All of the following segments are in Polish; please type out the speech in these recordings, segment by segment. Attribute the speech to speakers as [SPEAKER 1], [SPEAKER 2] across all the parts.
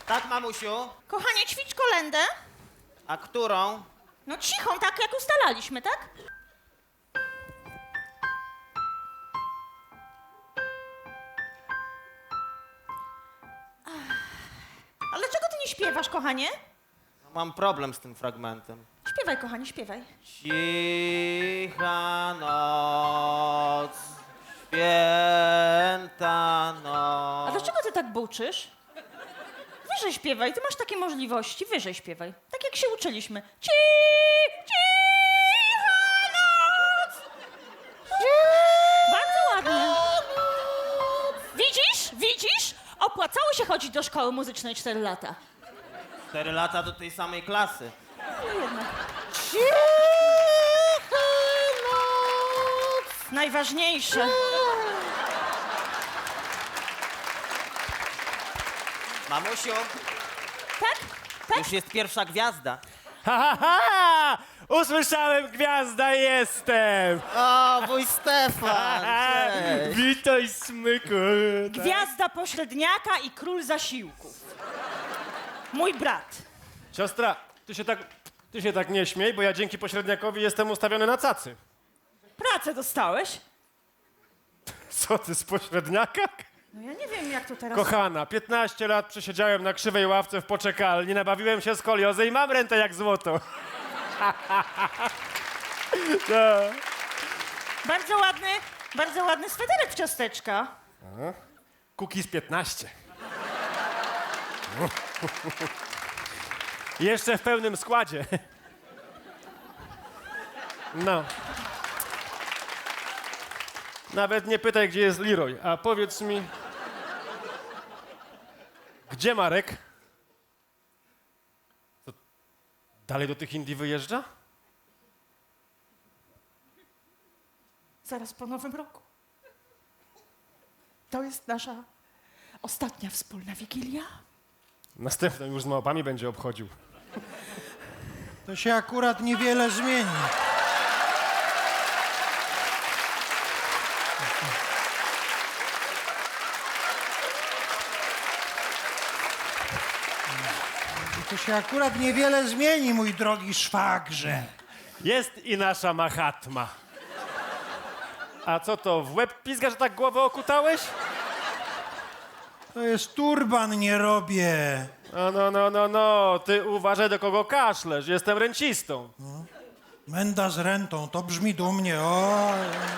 [SPEAKER 1] Tak, mamusiu?
[SPEAKER 2] Kochanie, ćwicz kolędę.
[SPEAKER 1] A którą?
[SPEAKER 2] No cichą, tak jak ustalaliśmy, tak? Ale czego ty nie śpiewasz, kochanie?
[SPEAKER 1] Mam problem z tym fragmentem.
[SPEAKER 2] Śpiewaj, kochanie, śpiewaj.
[SPEAKER 1] Cicha noc, święta
[SPEAKER 2] A
[SPEAKER 1] noc.
[SPEAKER 2] dlaczego ty tak buczysz? Wyżej śpiewaj, ty masz takie możliwości, wyżej śpiewaj. Tak jak się uczyliśmy. Cicha noc! Bardzo ładnie. Widzisz? Widzisz? Opłacało się chodzić do szkoły muzycznej 4 lata.
[SPEAKER 1] 4 lata do tej samej klasy.
[SPEAKER 2] No jednak. Najważniejsze.
[SPEAKER 1] Mamusiu,
[SPEAKER 2] Tak? Tak?
[SPEAKER 1] już jest pierwsza gwiazda.
[SPEAKER 3] Ha, ha, ha! Usłyszałem, gwiazda jestem!
[SPEAKER 1] O, wuj Stefan! Cześć.
[SPEAKER 3] Witaj, smyku!
[SPEAKER 2] Gwiazda pośredniaka i król zasiłków. Mój brat.
[SPEAKER 3] Siostra, ty się tak nie śmiej, bo ja dzięki pośredniakowi jestem ustawiony na cacy.
[SPEAKER 2] Pracę dostałeś?
[SPEAKER 3] Co ty, z pośredniaka?
[SPEAKER 2] No ja nie wiem, jak to teraz...
[SPEAKER 3] Kochana, 15 lat przesiedziałem na krzywej ławce w poczekalni, nabawiłem się skoliozy i mam rentę jak złoto. No.
[SPEAKER 2] Bardzo ładny sweterek w ciasteczka.
[SPEAKER 3] Cookies 15. Jeszcze w pełnym składzie. No. Nawet nie pytaj, gdzie jest Leroy, a powiedz mi... Gdzie Marek? To dalej do tych Indii wyjeżdża?
[SPEAKER 2] Zaraz po nowym roku. To jest nasza ostatnia wspólna Wigilia.
[SPEAKER 3] Następną już z małpami będzie obchodził.
[SPEAKER 4] To się akurat niewiele zmieni. To się akurat niewiele zmieni, mój drogi szwagrze.
[SPEAKER 3] Jest i nasza Mahatma. A co to, w łeb pizga, że tak głowę okutałeś?
[SPEAKER 4] To jest turban, nie robię.
[SPEAKER 3] No, ty uważaj, do kogo kaszlesz, jestem rencistą.
[SPEAKER 4] Menda z rentą, to brzmi dumnie, o.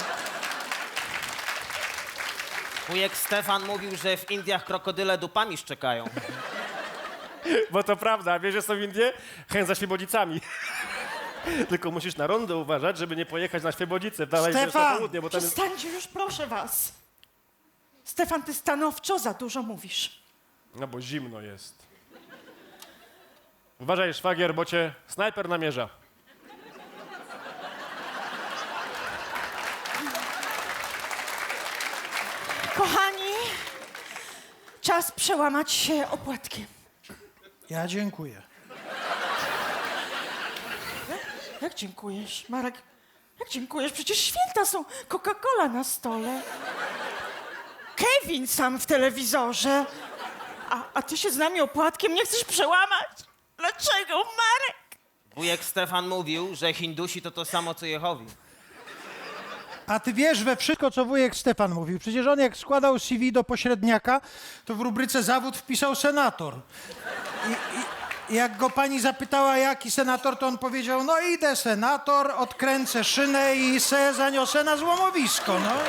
[SPEAKER 1] Wujek Stefan mówił, że w Indiach krokodyle dupami szczekają.
[SPEAKER 3] Bo to prawda, wiesz, że są Indie? Chęć za Świebodzicami. Tylko musisz na rondo uważać, żeby nie pojechać na Świebodzice. Dalej wiesz, na
[SPEAKER 4] Stefan!
[SPEAKER 3] południe, bo tam jest...
[SPEAKER 2] Przestańcie już, proszę was. Stefan, ty stanowczo za dużo mówisz.
[SPEAKER 3] No bo zimno jest. Uważaj, szwagier, bo cię snajper namierza.
[SPEAKER 2] Kochani, czas przełamać się opłatkiem.
[SPEAKER 4] Ja dziękuję.
[SPEAKER 2] Jak dziękujesz, Marek? Jak dziękujesz? Przecież święta są. Coca-Cola na stole. Kevin sam w telewizorze. A ty się z nami opłatkiem nie chcesz przełamać? Dlaczego, Marek?
[SPEAKER 1] Wujek Stefan mówił, że Hindusi to samo co Jehowi.
[SPEAKER 4] A ty wiesz we wszystko, co wujek Stefan mówił. Przecież on jak składał CV do pośredniaka, to w rubryce zawód wpisał senator. I jak go pani zapytała, jaki senator, to on powiedział, no idę senator, odkręcę szynę i se zaniosę na złomowisko, no.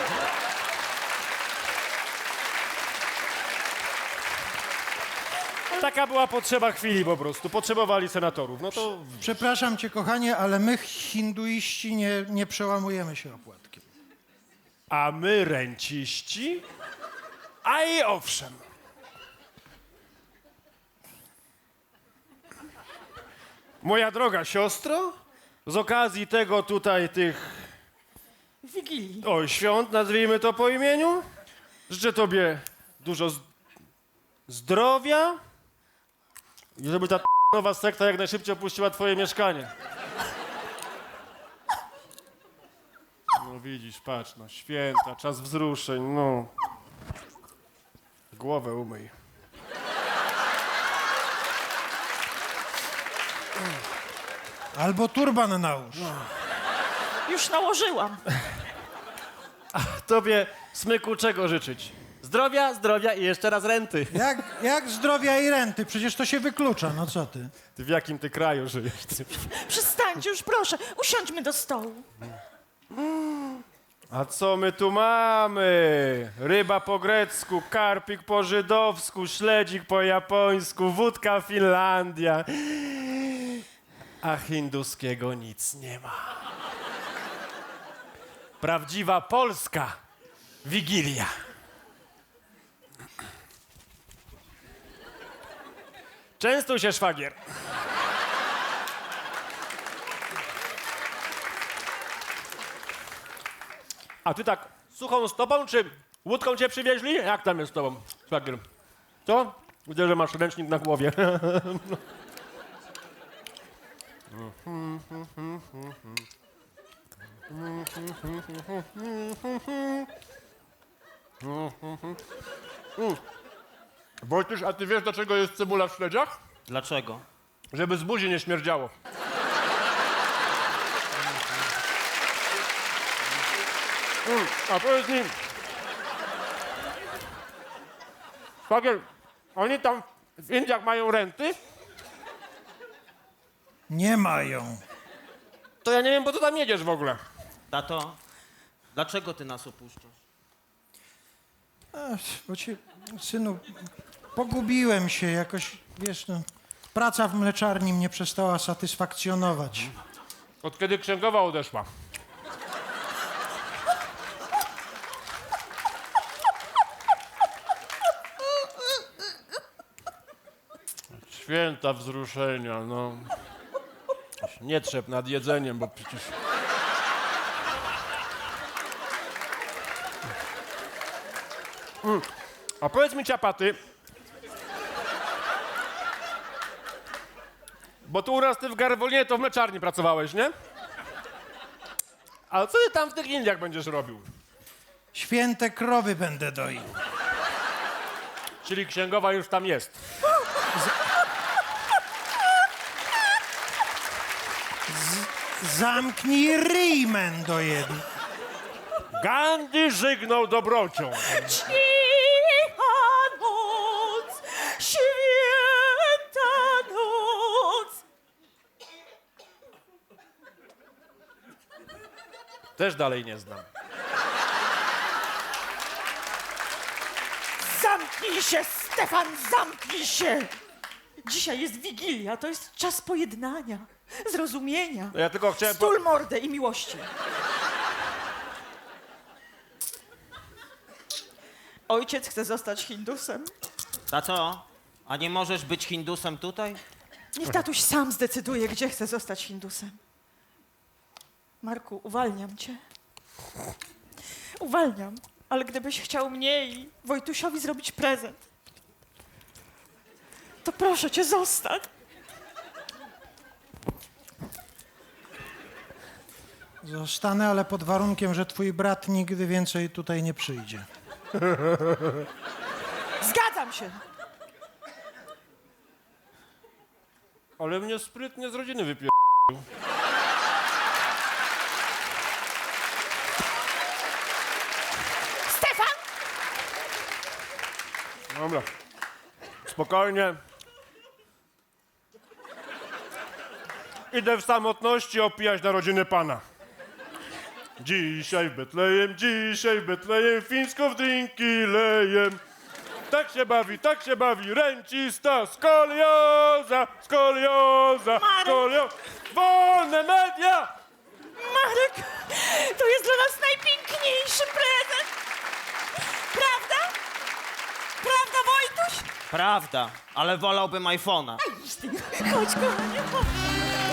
[SPEAKER 3] Taka była potrzeba chwili po prostu. Potrzebowali senatorów. No to...
[SPEAKER 4] Przepraszam cię, kochanie, ale my hinduiści nie przełamujemy się opłatkiem.
[SPEAKER 3] A my renciści? A i owszem. Moja droga siostro, z okazji tego tutaj tych
[SPEAKER 2] Wigilii.
[SPEAKER 3] świąt, nazwijmy to po imieniu, życzę tobie dużo zdrowia i żeby ta nowa sekta jak najszybciej opuściła twoje mieszkanie. No widzisz, patrz, no święta, czas wzruszeń, no. Głowę umyj.
[SPEAKER 4] Albo turban nałóż.
[SPEAKER 2] Już nałożyłam.
[SPEAKER 3] Tobie, Smyku, czego życzyć? Zdrowia, zdrowia i jeszcze raz renty.
[SPEAKER 4] Jak zdrowia i renty? Przecież to się wyklucza, no co ty?
[SPEAKER 3] Ty w jakim ty kraju żyjesz? Ty?
[SPEAKER 2] Przestańcie już, proszę. Usiądźmy do stołu.
[SPEAKER 3] A co my tu mamy? Ryba po grecku, karpik po żydowsku, śledzik po japońsku, wódka Finlandia. A hinduskiego nic nie ma. Prawdziwa polska Wigilia. Częstuj się, szwagier. A ty tak suchą stopą, czy łódką cię przywieźli? Jak tam jest z tobą, szwagier? Co? Widzę, że masz ręcznik na głowie. Wojtuś, a ty wiesz, dlaczego jest cebula w śledziach?
[SPEAKER 1] Dlaczego?
[SPEAKER 3] Żeby z buzi nie śmierdziało. A powiedz mi... Szwagier, oni tam w Indiach mają renty?
[SPEAKER 4] Nie mają.
[SPEAKER 3] To ja nie wiem, po co tam jedziesz w ogóle.
[SPEAKER 1] Tato, dlaczego ty nas opuszczasz?
[SPEAKER 4] Ach, bo cię, synu, pogubiłem się jakoś, wiesz, no. Praca w mleczarni mnie przestała satysfakcjonować.
[SPEAKER 3] Od kiedy księgowa odeszła. Święta wzruszenia, no. Nie trzep nad jedzeniem, bo przecież... A powiedz mi, ciapaty, bo tu u nas ty w Garwolinie to w mleczarni pracowałeś, nie? A co ty tam w tych Indiach będziesz robił?
[SPEAKER 4] Święte krowy będę doił.
[SPEAKER 3] Czyli księgowa już tam jest.
[SPEAKER 4] Zamknij ryj, mendo jeden.
[SPEAKER 3] Gandhi żygnął dobrocią.
[SPEAKER 2] Cicha noc, święta noc.
[SPEAKER 3] Też dalej nie znam.
[SPEAKER 2] Zamknij się, Stefan, zamknij się! Dzisiaj jest Wigilia, to jest czas pojednania, zrozumienia.
[SPEAKER 3] Ja tylko chciałem...
[SPEAKER 2] Stul mordę i miłości. Ojciec chce zostać Hindusem.
[SPEAKER 1] Tato, a nie możesz być Hindusem tutaj?
[SPEAKER 2] Niech tatuś sam zdecyduje, gdzie chce zostać Hindusem. Marku, uwalniam cię. Uwalniam, ale gdybyś chciał mnie i Wojtusiowi zrobić prezent, to proszę cię, zostań.
[SPEAKER 4] Zostanę, ale pod warunkiem, że twój brat nigdy więcej tutaj nie przyjdzie.
[SPEAKER 2] Zgadzam się.
[SPEAKER 3] Ale mnie sprytnie z rodziny wypier...
[SPEAKER 2] Stefan!
[SPEAKER 3] Dobra. Spokojnie. Idę w samotności opijać narodziny Pana. Dzisiaj w Betlejem, fińsko w drinki lejem. Tak się bawi, rencista, skolioza, wolne media!
[SPEAKER 2] Marek, to jest dla nas najpiękniejszy prezent. Prawda? Prawda, Wojtuś?
[SPEAKER 1] Prawda, ale wolałbym iPhone'a.
[SPEAKER 2] Chodź, kochanie, chodź.